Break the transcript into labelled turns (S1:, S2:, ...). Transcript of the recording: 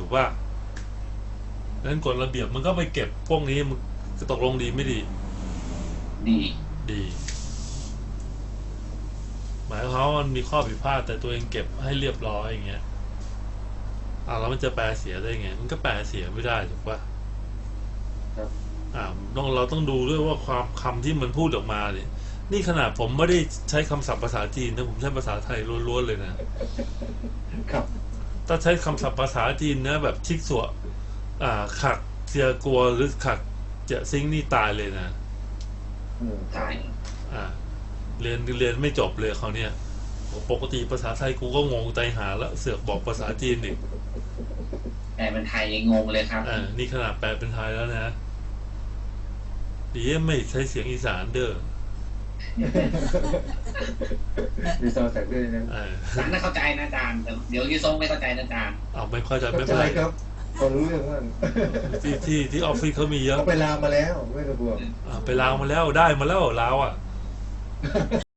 S1: กป่ะนั้นกฎระเบียบมันก็ไปเก็บพวกนี้มันตกลงดีไม่ดี
S2: ดี
S1: ดี หมายความว่ามันมีข้อผิดพลาดแต่ตัวเองเก็บให้เรียบร้อยอย่างเงี้ยแล้วมันจะแปลเสียได้ไงมันก็แปลเสียไม่ได้ถูกป่ะ
S2: ครับ
S1: เราต้องดูด้วยว่าความคำที่มันพูดออกมาเนี่ยนี่ขนาดผมไม่ได้ใช้คำศัพท์ภาษาจีนนะผมใช้ภาษาไทยล้วนๆเลยนะครับถ้าใช้คำศัพท์ภาษาจีนนะแบบชิกสัวขักเจียกัวหรือขักเจะซิงนี่ตายเลยนะ
S2: ตาย
S1: เรียนไม่จบเลยเขาเนี่ยปกติภาษาไทยกูก็งงใจหาแล้วเสือกบอกภาษาจีนอีก
S2: แต่เป็นไทยยังงงเลยครับ
S1: นี่ขนาดแปลเป็นไทยแล้วนะดีไม่ใช้เสียงอีสานเด้อ
S3: มีซาวด์แทร็กด้วยนะ
S2: สารน่าเข้าใจนะอาจารย์แต่เดี๋ยวยูทรงไม่เข้าใจนะอาจารย์
S1: ไม่เข้าใจไม่
S3: เป็นไรครับพอรู้เรื่องว่า
S1: ที่ออฟฟิศเขามีเยอะ
S3: เขาไปลาวมาแล้วไม่ต้องกลัว
S1: ไปลาวมาแล้วได้มาแล้วลาว